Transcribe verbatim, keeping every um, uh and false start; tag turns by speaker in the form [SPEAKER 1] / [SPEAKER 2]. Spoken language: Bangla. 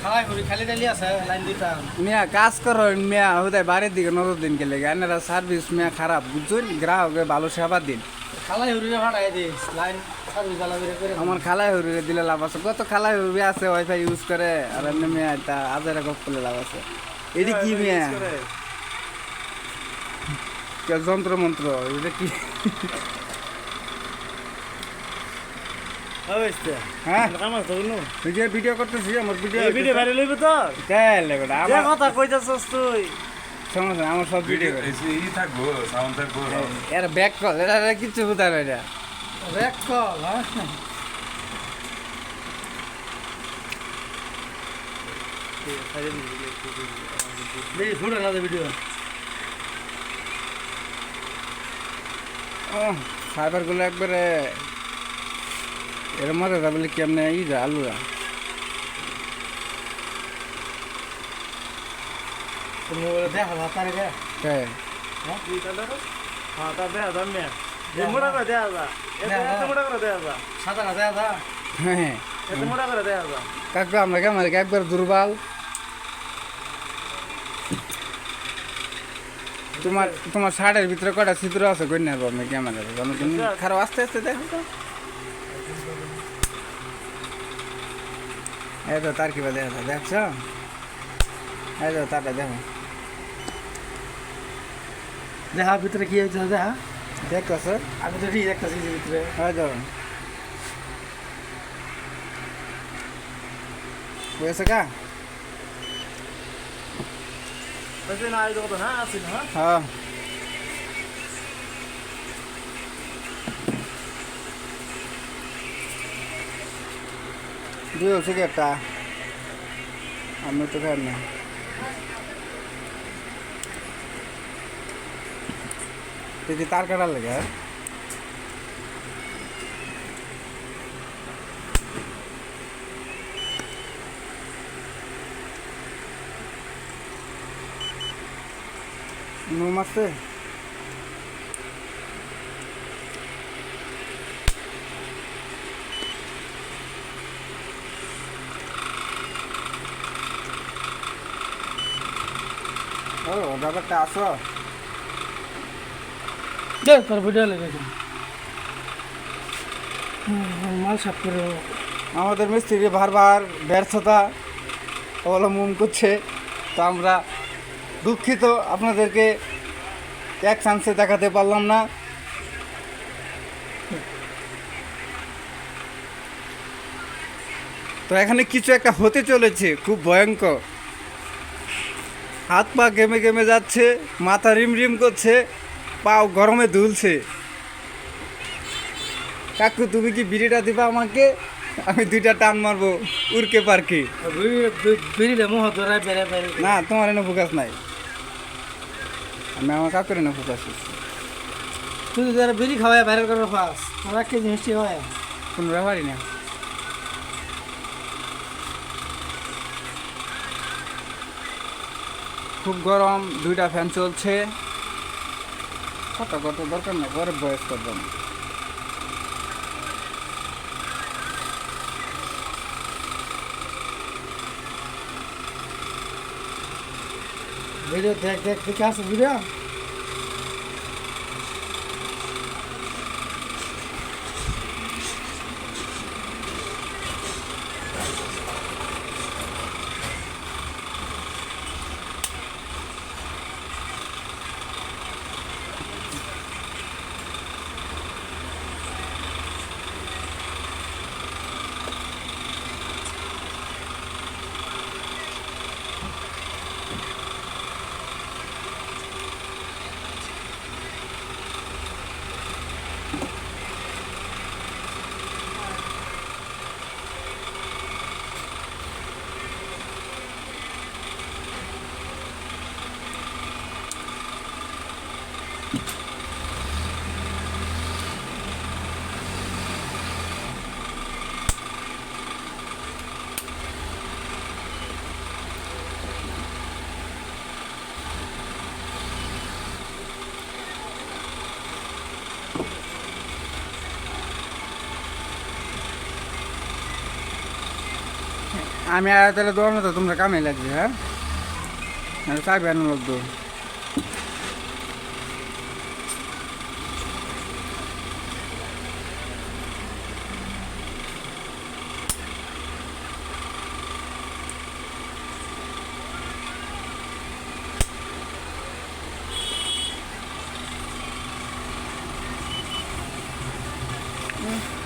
[SPEAKER 1] মিয়া কাজ করো মিয়া হুদায় বাড়ির দিকে নজর দিন গেলে এনারা সার্ভিস মিয়া খারাপ বুঝছেন গ্রাহকে ভালো সেবা দিন আমার খালাই হরুরে দিলে লাভ আছে কত খালাই হরুরে আছে ওয়াইফাই ইউজ করে আর এমনি মিয়া এটা আজারে গপ করলে লাভ আছে এটি কি মিয়া যন্ত্র মন্ত্র এটা কি হ্যাঁ ভিডিও করতেছি আমার ভিডিও
[SPEAKER 2] ভিডিও ভাইরাল হইবে তো
[SPEAKER 1] আমার
[SPEAKER 2] কথা কইতাছস তুই
[SPEAKER 1] সমস্যা আমার সব ভিডিও
[SPEAKER 3] ই থাকবো সাউন্ড থাকবো
[SPEAKER 1] এর ব্যাক কল এটা কিচ্ছু বুঝা না এটা
[SPEAKER 2] ব্যাক কল হ্যাঁ দেখি শুনে না ভিডিও
[SPEAKER 1] ও ফাইবারগুলো একবারে এর মধ্যে তা বলে কেমনে ই যা আলুরা
[SPEAKER 2] দেখা তারে রে
[SPEAKER 1] হ্যাঁ
[SPEAKER 2] হ্যাঁ তা দেখা দাম নে মোটা করে দেখা যা এত মোটা করে দেখা যা সাদা না দেখা যা
[SPEAKER 1] হ্যাঁ
[SPEAKER 2] এত মোটা করে দেখা যা
[SPEAKER 1] কাকু আমরা কেমন একবার দুর্বল তোমার তোমার শার্টের ভিতরে কটা চিত্র আছে কই না আমি ক্যামেরা তুমি খারাপ আস্তে আস্তে দেখো তো এই তো তার কিবা দেখা দেখছো এই তো তারটা দেখো
[SPEAKER 2] দেখা ভিতরে কি হয়েছে দেখা
[SPEAKER 1] দেখো স্যার
[SPEAKER 2] আমি তো ঠিক দেখতেছি ভিতরে
[SPEAKER 1] হ্যাঁ যাও বুঝেছে কা
[SPEAKER 2] বসে না আইতো তো হ্যাঁ আসিন হ্যাঁ
[SPEAKER 1] হ্যাঁ দিও সিগারেটটা আমি তো খাই না তুই কি তার কাটার লাগে নুম আছে ও ব্যাপারটা আসো
[SPEAKER 2] দেখ তোর ভিডিও লেগেছে মাল সাফ করে
[SPEAKER 1] আমাদের মিস্ত্রি বারবার ব্যর্থতা অবলম্বন করছে তো আমরা দুঃখিত আপনাদেরকে এক চান্সে দেখাতে পারলাম না তো এখানে কিছু একটা হতে চলেছে খুব ভয়ঙ্কর হাত পা গেমে গেমে যাচ্ছে মাথা রিম রিম করছে পাও গরমে দুলছে কাকু তুমি কি বিড়িটা দিবা আমাকে আমি দুইটা টান মারবো উড়কে পারকে
[SPEAKER 2] বিড়িটা মোহ ধরায় বেড়ে বেড়ে
[SPEAKER 1] না তোমার এনে ফোকাস নাই আমি আমার কাকুর এনে ফোকাস
[SPEAKER 2] তুই যারা বিড়ি খাওয়ায় ভাইরাল করার ফাস তোরা কে জিনিসটি হয়
[SPEAKER 1] কোনো ব্যাপারই না খুব গরম দুইটা ফ্যান চলছে কত কত দরকার না ঘরে বয়স করবো না
[SPEAKER 2] ভিডিও দেখ দেখ দেখে আসো ভিডিও
[SPEAKER 1] আমি আর তাহলে দৌড়ানো তো তোমরা কামে লাগবে হ্যাঁ চাইবে আনো লোক তো Mm.